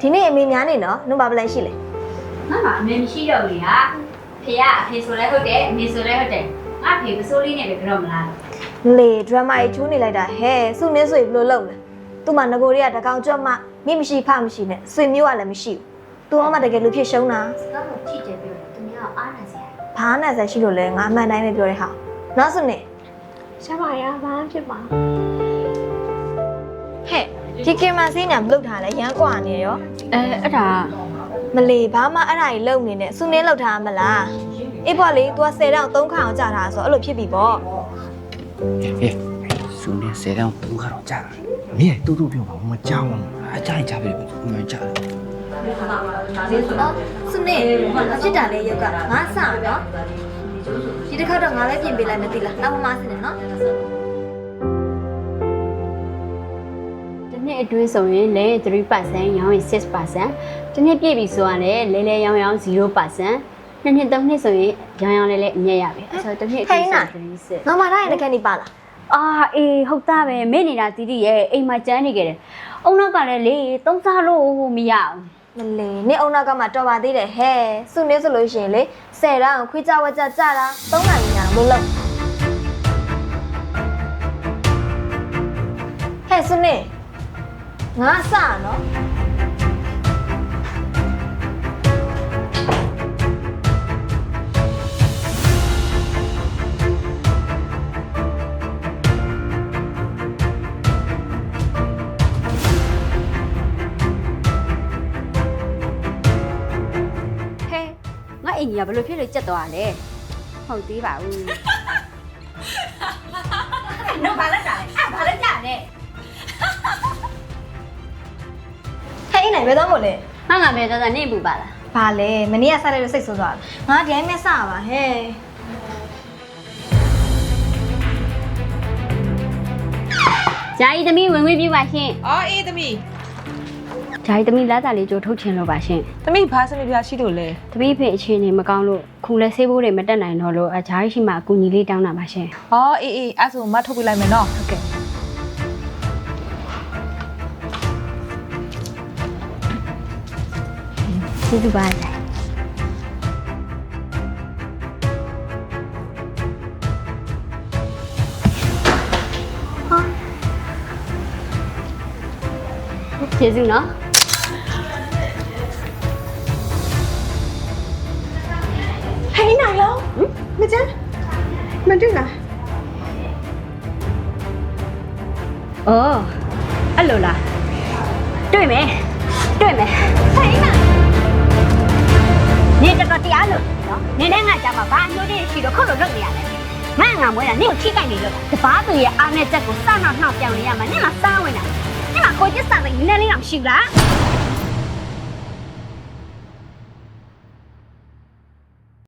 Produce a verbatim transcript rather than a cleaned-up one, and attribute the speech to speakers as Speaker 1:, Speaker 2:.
Speaker 1: ဒီနေ့အမေများနေနော်နှုတ်ပါပလိုက်ရှိလေ
Speaker 2: ငါမှအမေမရှိတော့ဘူးဟာဖေကအဖေဆိုလဲဟုတ်တယ်အမေဆိုလဲဟုတ်တယ်ငါဖေမစိုးလေးနဲ့ပဲကြောက်မလား
Speaker 1: လေဒရမာကြီးချိုးနေလိုက်တာဟဲ့စုနင်းဆိုရင်ဘယ်လိုလုပ်လဲသူ့မှာငကိုတွေကတကောင်ကြွတ်မှမိမရှိဖမရှိနဲ့ဆွေမျိုးကလည်းမရှိဘူးသူကမှတကယ်လူဖြစ်ရှုံးတာ
Speaker 2: စကားကိုကြည့်ကြပြောတယ်သူများအားနာစရာ
Speaker 1: ဘာနဲ့ဆက်ရှိလို့လဲငါအမှန်တိုင်းပဲပြောတဲ့ဟာနောက်စုနေ
Speaker 3: ရှာပါရဘာဖြစ်ပါ
Speaker 1: ဟဲ့ဒီကင်မဆေးညာမလုပ်ထားလဲရမ်းกว่าနေရော
Speaker 2: အဲအဲ့ဒါ
Speaker 1: မလီဘာမှအဲ့ဒါကြီးလုံနေနဲ့စုနင်းလောက်ထားမလားအေးပေါ့လေ तू ဆယ်တောင်သုံးခါအောင်ကြာတာဆိုအဲ့လိုဖြစ်ပြီပေါ့
Speaker 4: ဟေးစုနေဆယ်တောင်သုံးခါတော့ကြာတာမင်းတူတူပြောပါမကြောက်ဘူးအကြိုက်ကြပြီမကြောက်ဘူး
Speaker 1: အော်စုနေဖြစ်တာလေရုပ်ကငါစနော်ဒီတစ်ခါတော့ငါလည်းပြင်ပေးလိုက်မသိလားနောက်မှမစနေနော်
Speaker 2: ဒီနေ့အတွင်းဆိုရင်လဲ three percent ရောင်းရင် six percent ဒီနေ့ပြည့်ပြီဆိုရင်လည်းလဲလဲရောင်းရောင်း zero percent နှစ်နှစ်သုံးနှစ်ဆိုရင်ရောင်းရောင်းလဲလဲအမြတ်ရပြီအဲ့ဆိုတစ်နှစ်အတွင်းဆို three six
Speaker 1: ငါမထားရင်တကယ်နေပါလား
Speaker 2: အာအေးဟုတ်သားပဲမေ့နေတာတီတီရဲ့အိမ်မှာကျန်းနေကြတယ်အုံနောက်ကလည်းလေသုံးစားလို့မရအောင်
Speaker 1: မလေနေအုံနောက်ကမှတော်ပါသေးတယ်ဟဲ့စုနေဆိုလို့ရှိရင်လေဆယ်တောင်ခွေးကြဝက်ကြကြတာသုံးနိုင်ညာမလို့ဟဲ့စုနေငါစနော်
Speaker 2: ငါအိမ်ကြီးကဘယ်လိုဖြစ်လို့ကြက်သွားလဲဟုတ်သေးပါဘူးနော်ဘာလဲကြာလဲအဲ့ဘာလဲကြာလဲ
Speaker 1: ဟဲ့အိမ်နိုင်ဘယ်တော့မို့လဲ
Speaker 2: ငါငါမဲသားသားနေပူပါလား
Speaker 1: ဘာလဲမနေ့ကဆက်လိုက်လို့စိတ်ဆိုးသွားတယ်ငါဒီတိုင်းမဲ့စပါဟဲ့
Speaker 2: ဂျာကြီးသမီးဝင်ဝင်ပြပါရှင်
Speaker 5: အော်အေးသမီး
Speaker 2: ဂျာကြီးသမီးလာတာလေးကြိုထုတ်ချင်လို့ပါရှင်
Speaker 5: သမီးဘာစနေပြရှိလို့လဲ
Speaker 2: သမီးဖေအခြေအနေမကောင်းလို့ခုလဲဆေးဘိုးတွေမတက်နိုင်တော့လို့အဂျာကြီးရှိမှအကူညီလေးတောင်းတာပါရှင်
Speaker 5: အော်အေးအေးအဲ့ဆိုမထုတ်ပြလိုက်မယ်နော်
Speaker 2: ဟုတ်ကဲ့ကျေးဇူးပါဂျာကျေးဇူးနော်
Speaker 3: ဟဲ့နိုင်လောမကျန်းမတွေ့လား
Speaker 2: အော်အဲ့လိုလားတွေ့မယ်တွေ့မယ်ဟဲ့နိုင်နေတော့တရားလို့နော်နေနဲ့ငါကြောက်မှာဘာမျိုးတွေရှိတော့ခုတ်လို့လုပ်နေရတယ်ငါငါမွေးတာနေကိုထိကြိုက်နေလို့တပားသူရဲ့အားနဲ့ချက်ကိုစနှောက်နှောက်ပြောင်းနေရမှာနေမှာစားဝင်တာနေမှာကိုကျစ်စားတဲ့နည်းနည်းလေးတော့ရှိလား